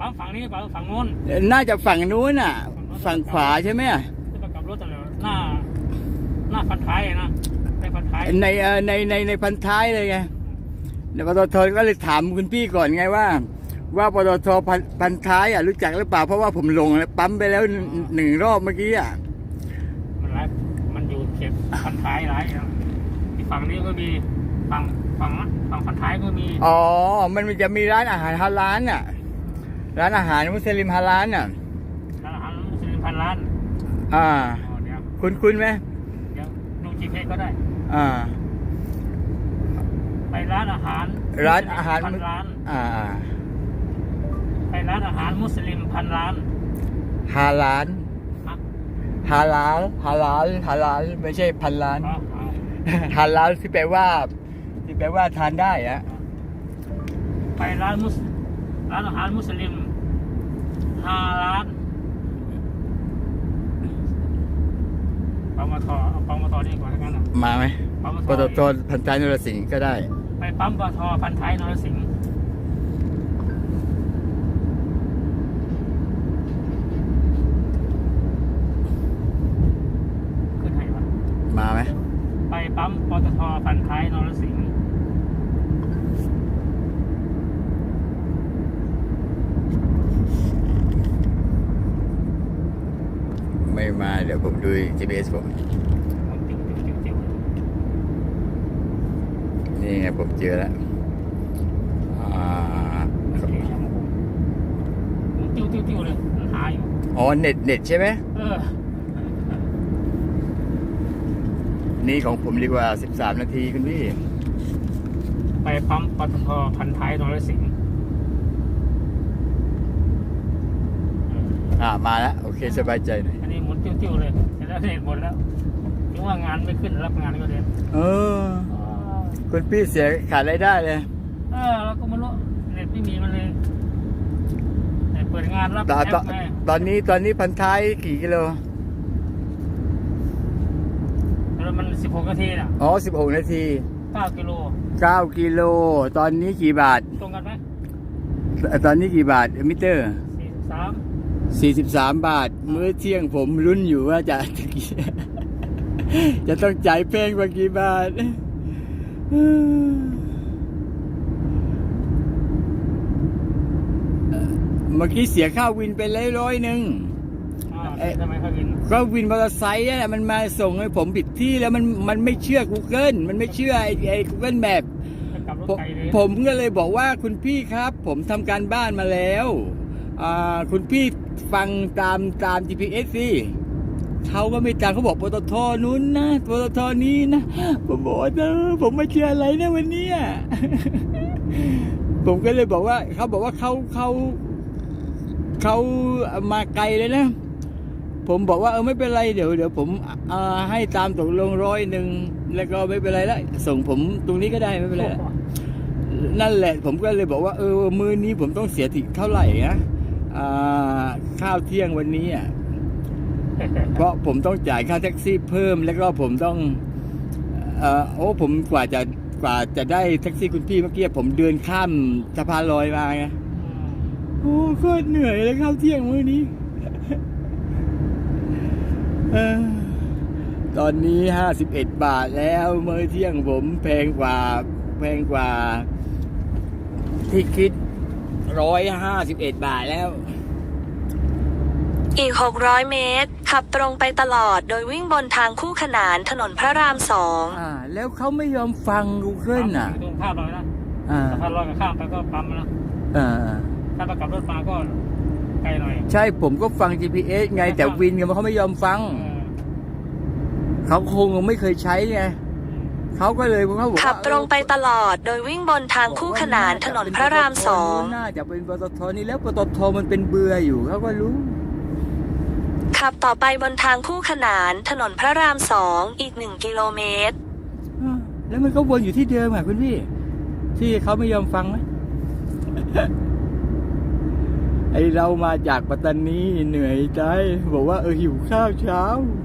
ฝั่งนี้ป่ะฝั่งโน้นน่าจะฝั่งนู้นน่ะฝั่งขวาใช่ไหมจะไปกลับรถแต่หน้าพันท้ายนะในพันท้ายในพันท้ายเลยไงปตทก็เลยถามคุณพี่ก่อนไงว่าปตทพันท้ายรู้จักหรือเปล่าเพราะว่าผมลงแล้วปั๊มไปแล้ว1 รอบเมื่อกี้มันอยู่เขตพันท้ายหลายที่ฝั่งนี้ก็มีฝั่งพันท้ายก็มีอ๋อมันจะมีร้านอาหารฮาลาลร้านอาหารมุสลิมฮาลาลร้านอาหารมุสลิมพันล้านคุณไหมเดี๋ยวดู GPS ก็ได้ไปร้านอาหารพันล้านไปร้านอาหารมุสลิมพันล้านฮาลาลไม่ใช่พันล้านฮาลาลที่แปลว่าทานได้ไปร้านอาหารมุสลิม5 ล้านปั๊มปตทนี่ก่อนแล้วกันมาไหมปตทพันท้ายนรสิงห์ก็ได้ไปปั๊มปตทพันท้ายนรสิงห์ขึ้นไหนวะมาไหมไปปั๊มปตทพันท้ายนรสิงห์ไม่มาเดี๋ยวผมดู GPS ผมนี่ไงผมเจอแล้วติ้วเลยหาอยู่อ๋อเน็ตใช่ไหมนี่ของผมดีกว่า13 นาทีคุณพี่ไปปั๊มปตทพันท้ายนรสิงห์มาแล้วโอเคสบายใจหน่อยอันนี้หมุนติ้วเลยเสร็จแล้วเน็ตหมดแล้วถึงว่างานไม่ขึ้นรับงานก็เลยคุณพี่เสียขาดรายได้เลยแล้วก็ไม่รู้เน็ตไม่มีมันเลยเปิดงานรับตอนนี้พันท้ายกี่กิโลแล้วมัน16 นาทีน่ะ 16 นาที 9 กิโลตอนนี้กี่บาทตรงกันไหมตอนนี้กี่บาทมิเตอร์43 บาทมื้อเที่ยงผมลุ้นอยู่ว่าจะต้องจ่ายแพงกว่ากี่บาทเมื่อกี้เสียค่าวินไปเลยทำไมค่าวินก็วินมอเตอร์ไซค์เนี่ยมันมาส่งให้ผมผิดที่แล้วมันไม่เชื่อ Google มันไม่เชื่อไอ้ Google Map ผมก็เลยบอกว่าคุณพี่ครับผมทำการบ้านมาแล้วคุณพี่ฟังตาม GPS สิเขาก็ไม่จำเขาบอกปตทนู้นนะปตทนี้นะผมบอกผมไม่เชื่ออะไรนะวันนี้ผมก็เลยบอกว่าเขาบอกว่าเขามาไกลเลยนะผมบอกว่าไม่เป็นไรเดี๋ยวผมให้ตามตกลง100แล้วก็ไม่เป็นไรแล้วส่งผมตรงนี้ก็ได้ไม่เป็นไรนั่นแหละผมก็เลยบอกว่ามื้อนี้ผมต้องเสียถึงเท่าไหร่นะข้าวเที่ยงวันนี้เพราะผมต้องจ่ายค่าแท็กซี่เพิ่มแล้วก็ผมต้องผมกว่าจะได้แท็กซี่คุณพี่เมื่อกี้ผมเดินข้ามสะพานลอยมาไงโคตรเหนื่อยเลยข้าวเที่ยงมื้อนี้ตอนนี้51 บาทแล้วมื้อเที่ยงผมแพงกว่าที่คิด151 บาทแล้วอีก600 เมตรขับตรงไปตลอดโดยวิ่งบนทางคู่ขนานถนนพระราม2 แล้วเขาไม่ยอมฟัง Google ตรงข้ามเลยนะสะพานลอยกับข้ามไปก็ปั๊มนะถ้าไปกลับรถมาก็ไกลหน่อยใช่ผมก็ฟัง GPS ไงแต่วินเขาไม่ยอมฟังเขาคงไม่เคยใช้ไงเขาก็เลยเขาบอกขับตรงไปตลอดโดยวิ่งบนทางคู่ขนานถนนพระราม2 น่าจะเป็นปตทนี่แล้วปตทมันเป็นเบื่ออยู่เขาก็รู้ขับต่อไปบนทางคู่ขนานถนนพระราม2อีก1 กิโลเมตรแล้วมันก็วนอยู่ที่เดิมคุณพี่ที่เขาไม่ยอมฟังนะ ไอเรามาจากปัตตานีเหนื่อยใจบอกว่าหิวข้าวเช้า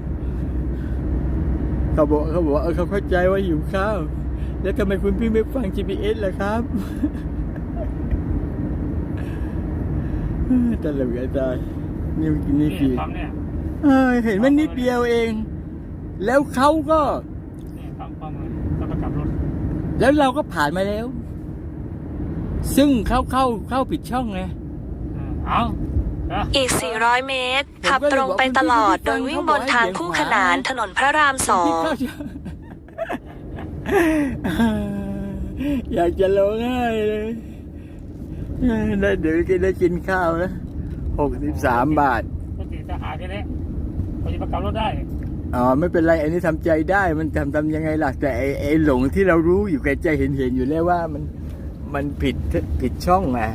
เขาบอกว่าเขาเข้าใจว่าหิวข้าวแล้วทำไมคุณพี่ไม่ฟัง GPS ล่ะครับตลกอาจารย์นี่นี่นี่คือปั๊มเนี่ยเห็นมันนิดเดียวเอง แล้วเขาก็นี่ปั๊มเลยแล้วก็กลับรถแล้วเราก็ผ่านมาแล้ว ซึ่งเข้าผิดช่องไงเอาเอาอีก 400 เมตร ขับตรงไปตลอด โดยวิ่งบนทางคู่ขนานถนนพระรามอยากจะร้องไห้เลยได้เดี๋ยวได้กินข้าวนะ63 บาทปกติจะหาทีนี้พอจะมากลับรถได้อ๋อไม่เป็นไรอันนี้ทำใจได้มันทำยังไงล่ะแต่ไอ้หลงที่เรารู้อยู่แก่ใจเห็นอยู่แล้วว่ามันผิดช่องไง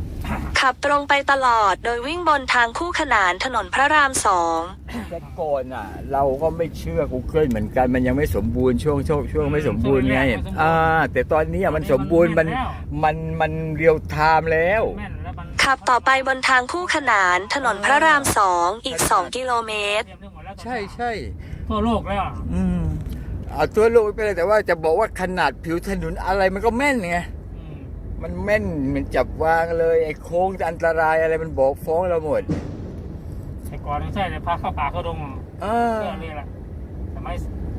2 ขับตรงไปตลอด โดยวิ่งบนทางคู่ขนานถนนพระรามแต่ก่อนอ่ะ เราก็ไม่เชื่อ Google เหมือนกันมันยังไม่สมบูรณ์ช่วงไม่สมบูรณ์ไงแต่ตอนนี้มันสมบูรณ์มันเรียลไทม์แล้วแม่นแล้วมัน 2 ขับต่อไปบนทางคู่ขนานถนนพระราม 2 อีก 2 กิโลเมตรเตรียมเรื่องหมดแล้วใช่ทั่วโลกแล้วเอาตัวโลกไปเลยแต่ว่าจะบอกว่าขนาดผิวถนนอะไรมันก็แม่นไง มันแม่นมันจับวางเลยไอ้โค้งจะอันตรายอะไรมันบอกฟ้องเราหมดแต่ก่อนไม่ใช่เลยพาเข้าป่าเข้าดงเรื่องนี้แหละสมัย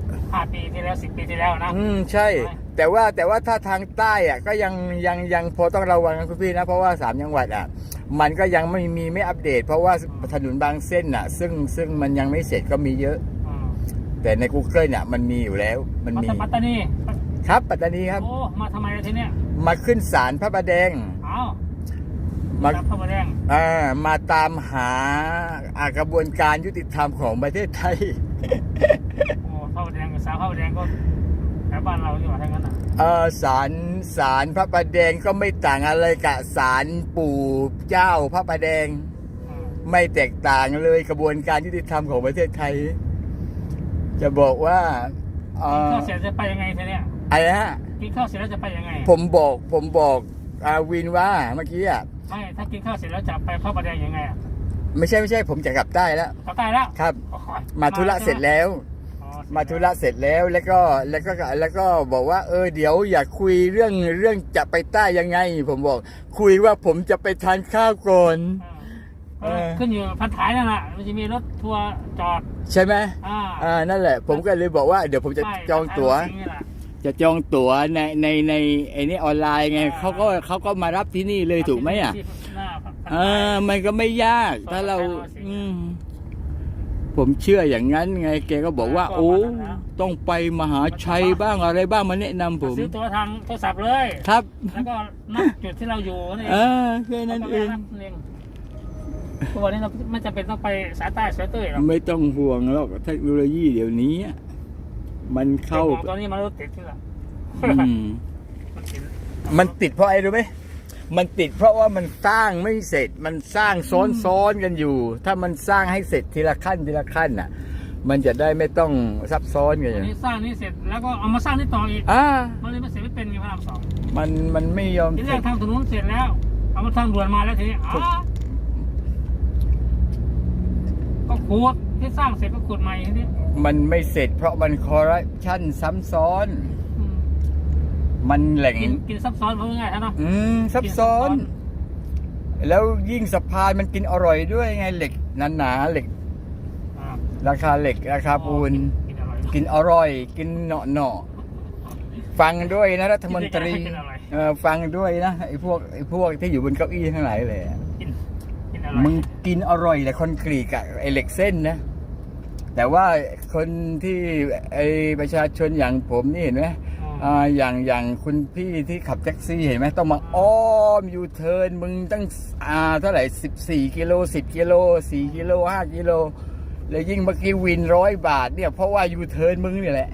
5 ปีที่แล้ว10 ปีที่แล้วนะใช่ แต่ว่าถ้าทางใต้อ่ะก็ยังพอต้องระวังนะคุณพี่นะเพราะว่า3 จังหวัดอ่ะมันก็ยังไม่อัปเดต เพราะว่าถนนบางเส้นอ่ะ ซึ่งมันยังไม่เสร็จก็มีเยอะ แต่ใน Google เนี่ยมันมีอยู่แล้วมันมีปัตตานีครับปัตตานีครับโอ้มาทำไมล่ะทีเนี้ยมาขึ้นศาลพระประแดงเอามามาพระประแดงมาตามหากระบวนการยุติธรรมของประเทศไทยโอ้พระประแดงกับสาวพระประแดงก็แถวบ้านเราอยู่ว่าทั้งนั้นอ่ะศาลพระประแดงก็ไม่ต่างอะไรกับศาลปู่เจ้าพระประแดง ไม่แตกต่างเลยกระบวนการยุติธรรมของประเทศไทย จะบอกว่ากินข้าวเสร็จจะไปยังไงทีเนี้ยอะไรฮะกินข้าวเสร็จแล้วจะไปยังไงผมบอกวินว่าเมื่อกี้อ่ะไม่ถ้ากินข้าวเสร็จแล้วจะไปพระประแดงยังไงอ่ะไม่ใช่ผมจะกลับใต้แล้วกลับใต้แล้วครับโอ้โหมาธุระเสร็จแล้วอ๋อมาธุระเสร็จแล้วแล้วก็บอกว่าเดี๋ยวอยากคุยเรื่องจะไปใต้ยังไง ผมบอก คุยว่าผมจะไปทานข้าวก่อนขึ้นอยู่พันท้ายนั่นแหละมันจะมีรถทัวร์จอดใช่ไหมอ่านั่นแหละ ผมก็เลยบอกว่าเดี๋ยวผมจะจองตั๋ว จะจองตั๋วในไอ้นี่ออนไลน์ไงเขาก็มารับที่นี่เลยถูกไหมอ่ะมันก็ไม่ยากถ้าเราผมเชื่ออย่างนั้นไงแกก็บอกว่าโอ้ต้องไปมหาชัยบ้างอะไรบ้างมาแนะนำผมซื้อตั๋วทางโทรศัพท์เลยครับแล้วก็นับจุดที่เราอยู่นี่แค่นั้นเองทุกวันนี้เราไม่จำเป็นต้องไปสายใต้สายเต้ยหรอกไม่ต้องห่วงหรอกเทคโนโลยีเดี๋ยวนี้มันเข้าตอนนี้มันรถติดที่ละมันติดเพราะอะไรรู้ไหมมันติดเพราะว่ามันสร้างไม่เสร็จ มันสร้างซ้อนกันอยู่ ถ้ามันสร้างให้เสร็จทีละขั้นน่ะ มันจะได้ไม่ต้องซับซ้อนกันอย่างนี้สร้างนี่เสร็จแล้วก็เอามาสร้างนี่ต่ออีกมันเลยไม่เสร็จไม่เป็นไงพระราม 2 มันไม่ยอมที่แรกทางถนนเสร็จแล้วเอามาทางด่วนมาแล้วทีนี้ก็ขุดที่สร้างเสร็จก็ขุดใหม่ทีนี้มันไม่เสร็จเพราะมันคอร์รัปชันซ้ำซ้อนมันแหล่งกินซับซ้อนเพราะง่ายๆนะซับซ้อน แล้วยิ่งสะพานมันกินอร่อยด้วยไงเหล็กหนาเหล็กราคาเหล็กราคาปูนกินอร่อยกินเนาะฟังด้วยนะรัฐมนตรีฟังด้วยนะไอ้พวกที่อยู่บนเก้าอี้ทั้งหลายเลยมึงกินอร่อยแต่คอนกรีตกับไอ้เหล็กเส้นนะแต่ว่าคนที่ไอ้ประชาชนอย่างผมนี่เห็นไหมอย่างคุณพี่ที่ขับแท็กซี่เห็นไหมต้องมาอ้อมยูเทิร์นมึงตั้งเท่าไหร่14 กิโล10 กิโล4 กิโล5 กิโลแล้วยิ่งเมื่อกี้วิน100 บาทเนี่ยเพราะว่ายูเทิร์นมึงนี่แหละ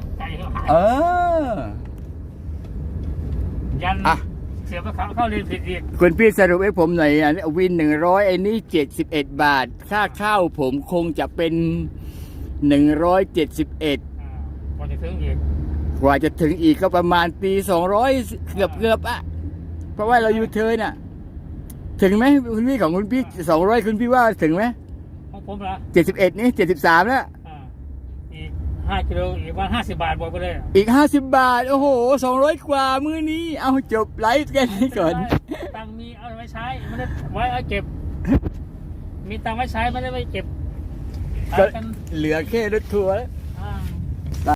ยันเสียไปเข้าเรียนผิดอีกคุณพี่สรุปให้ผมหน่อยวิน100ไอ้นี่71 บาทค่าข้าวผมคงจะเป็น171 พอจะถึงอีกกว่าจะถึงอีกก็ประมาณปี200เกือบอ่ะเพราะว่าเรายูเทิร์นอ่ะถึงไหมคุณพี่ของคุณพี่200คุณพี่ว่าถึงไหมของผมเหรอ 71นี่73แล้วอีก5 กิโลอีกว่า50 บาทบอกไปเลยอีก50 บาทโอ้โห200 กว่ามื้อนี้เอาจบไลฟ์กันนี้ก่อนตังมีเอาไว้ใช้ไม่ได้ไว้เอาเก็บมีตังค์ไว้ใช้ไม่ได้ไปเก็บก็ขายกันเหลือแค่รถทัวร์แล้ว